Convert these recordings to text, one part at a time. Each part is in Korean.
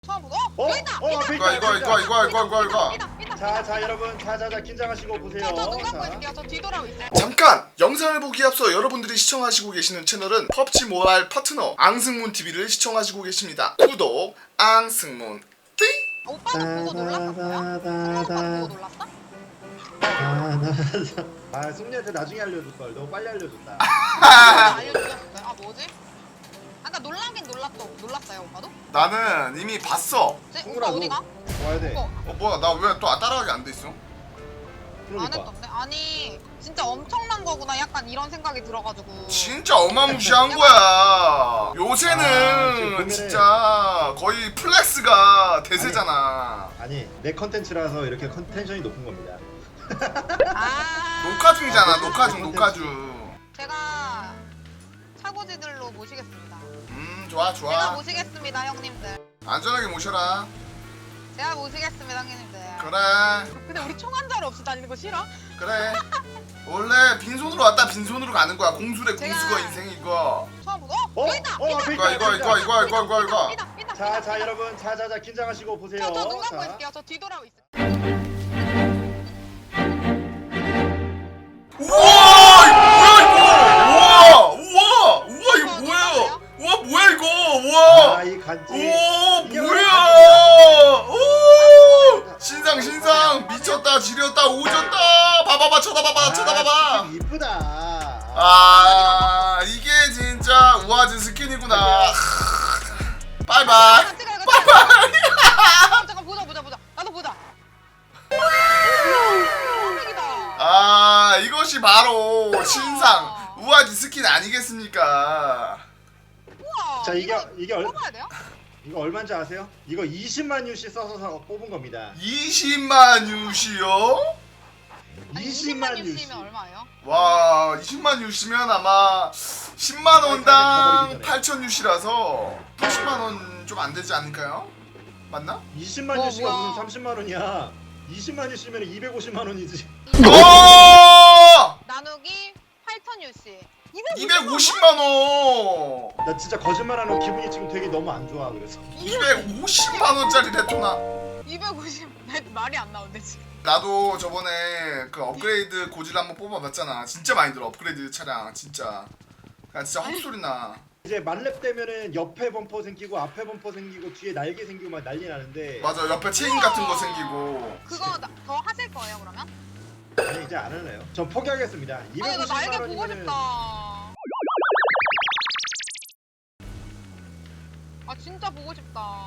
처음부터? 어? 여기 있다! 이거. 자 여러분 자자자 긴장하시고 보세요. 저눈 감고 있을게요. 저 뒤돌아오고 있어요. 잠깐! 영상을 보기에 앞서 여러분들이 시청하시고 계시는 채널은 펍지 모바일 파트너 앙승문 TV를 시청하시고 계십니다. 구독 앙승문 띠! 오빠도 보고 놀랐었어요? 승문 오빠도 보고 놀랐어? 아 승리한테 나중에 알려줄 걸. 너무 빨리 알려줬다. 알려주셨어요? 아 뭐지? 아까 놀라긴 놀랐어요 오빠도? 나는 이미 봤어. 네? 승훈아, 오빠 어디가? 와야 돼. 오빠 뭐야 나 왜 또 따라가기 안 돼 있어? 안 그러니까. 했던데? 아니 진짜 엄청난 거구나 약간 이런 생각이 들어가지고 진짜 어마무시한 거야. 지금 요새는 보면은- 진짜 거의 플렉스가 대세잖아. 아니 내 컨텐츠라서 이렇게 텐션이 높은 겁니다. 아 녹화 중이잖아. 녹화 중 컨텐츠. 녹화 중. 제가 차고지들로 모시겠습니다. 좋아 제가 좋아. 모시겠습니다 형님들. 안전하게 모셔라. 제가 모시겠습니다 형님들. 그래 근데 우리 총 한 자루 없이 다니는 거 싫어? 그래. 원래 빈손으로 왔다 빈손으로 가는 거야. 공수래 제가- 공수가 인생 이거. 처음부터? 어? 여기 있다! 어, 있다! 앞에 이거 이거. 있다! 자 여러분 자자자 긴장하시고 보세요. 저눈 감고 자. 있을게요. 저 뒤돌아오고 있어요. 우와 이거 뭐야? 우와 뭐야 이거? 우와. 아이 간지. 오 이게 뭐야? 오 신상 미쳤다 지렸다 오졌다. 봐봐봐 쳐다봐봐. 이쁘다. 아 이게 진짜 우아진 스킨이구나. 바이바이. 잠깐 보자. 나도 보자. 아 이것이 바로 신상 우아지 스킨 아니겠습니까? 우와. 자, 이게 뽑아야 돼요? 이거 얼마인지 아세요? 이거 20만 유씨 써서 뽑은 겁니다. 20만 유시요? 아니, 20만 유시면 유씨. 얼마예요? 와 20만 유시면 아마 10만 원당 8천 유시라서 80만 원 좀 안 되지 않을까요? 맞나? 20만 유씨가 뭐야. 무슨 30만 원이야. 20만 유씨면 250만 원이지. 오! 나누기 8,000 유씨. 250만 원. 나 진짜 거짓말하는 기분이 지금 되게 너무 안 좋아. 그래서 250만 원짜리 레토나. 250. 말이 안 나오는데 지금. 나도 저번에 그 업그레이드 고질 한번 뽑아봤잖아. 진짜 많이 들어 업그레이드 차량 진짜. 그냥 진짜 헛소리 나. 이제 만렙 되면은 옆에 범퍼 생기고 앞에 범퍼 생기고 뒤에 날개 생기고 막 난리 나는데 맞아 옆에 체인 같은 거 생기고. 그거 더 하실 거예요 그러면? 아니 이제 안 할래요. 전 포기하겠습니다. 아니 이거 250만 날개 원이면은 보고 싶다. 아 진짜 보고 싶다.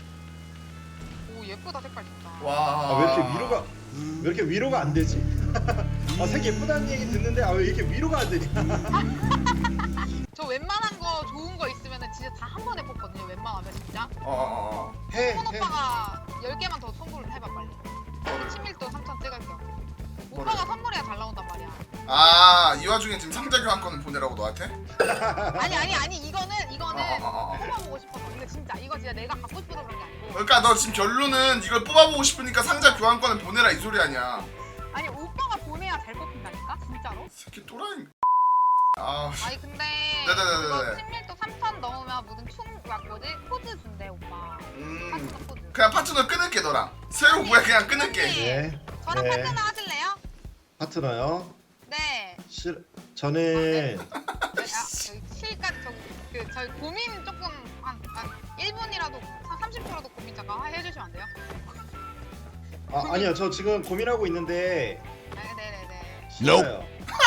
오 예쁘다 색깔 진짜. 와. 아, 왜 이렇게 위로가 안 되지? 아 색 예쁘다는 얘기 듣는데 아 왜 이렇게 위로가 안 되냐? 저 웬만한 거 좋은 거 있으면은 진짜 다 한 번에 뽑거든요. 웬만하면 진짜. 해. 손 오빠가 10개만 더 선물을 해봐 빨리. 우리 친밀도 3,000 찍을게요. 오빠가 선물해야 잘 나온단 말이야. 아이 와중에 지금 상자 교환권을 보내라고 너한테? 아니 이거는 뽑아보고 싶어서. 근데 진짜 이거 진짜 내가 갖고 싶어서 그런 게 아니고. 그러니까 너 지금 결론은 이걸 뽑아보고 싶으니까 상자 교환권을 보내라 이 소리 아니야. 아니 오빠가 보내야 잘 뽑힌다니까 진짜로. 새끼 또라이. 아. 아니 근데 네네네네. 그거 친밀도 3,000 넣으면 무슨 뭐지 코드 준대 오빠. 파트너 코드. 그냥 파트너 끊을게 너랑. 새로 뭐야 그냥 끊을게. 네. 저랑 네. 파트너 하실래요? 파트너요? 네. 저는 저희 실까지 저희 고민 조금 한 1분이라도 30%도 고민 잠깐 해주시면 안 돼요? 아니요 저 지금 고민하고 있는데 네네네. 싫어요.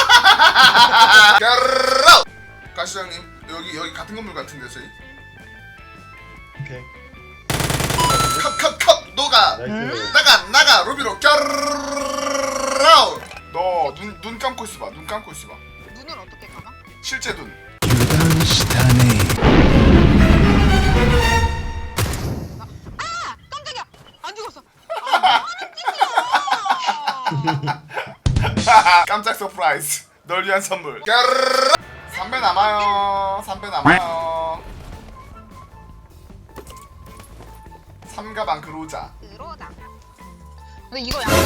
까르르! 가시죠 형님. 여기 같은 건물 같은데 저희. 오케이. 컵 너가 나이스. 나가 로비로 까르르! 너 눈 감고 있어봐. 눈 감고 있어봐. 눈을 어떻게 감아? 실제 눈. 아! 깜짝이야! 안 죽었어! 아 하는 짓이야! 깜짝 서프라이즈. 널 위한 선물. 까르르! 3배 남아요. 3배 남아요. 3가방 그로자. 들어오자. 근데 이거 약간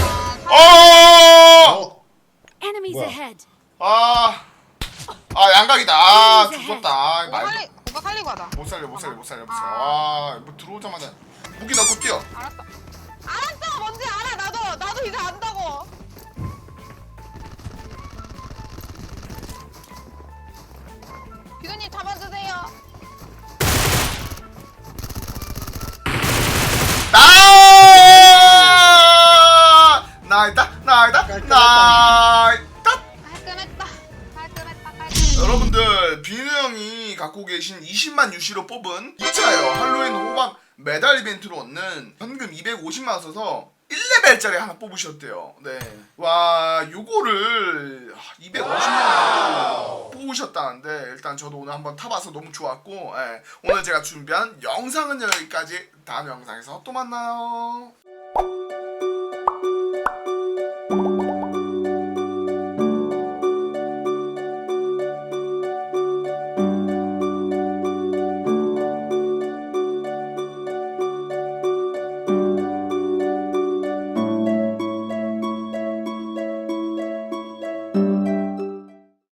어! Enemies 뭐야? ahead. 아 양각이다. 아 죽었다. 오빠 살리고 하자. 못 살려. 아 뭐 들어오자마자 무기 넣고 뛰어. 알았어. 알았어. 뭔지 알아. 나도 이제 안다고. 비도님 잡아주세요. 나이다. 깔끔했다. 여러분들 비누 형이 갖고 계신 20만 UC로 뽑은 2차예요. 할로윈 호박 메달 이벤트로 얻는 현금 250만 원 써서 1레벨짜리 하나 뽑으셨대요. 네. 와, 요거를 250만 원 뽑으셨다는데 일단 저도 오늘 한번 타봐서 너무 좋았고, 예. 오늘 제가 준비한 영상은 여기까지. 다음 영상에서 또 만나요.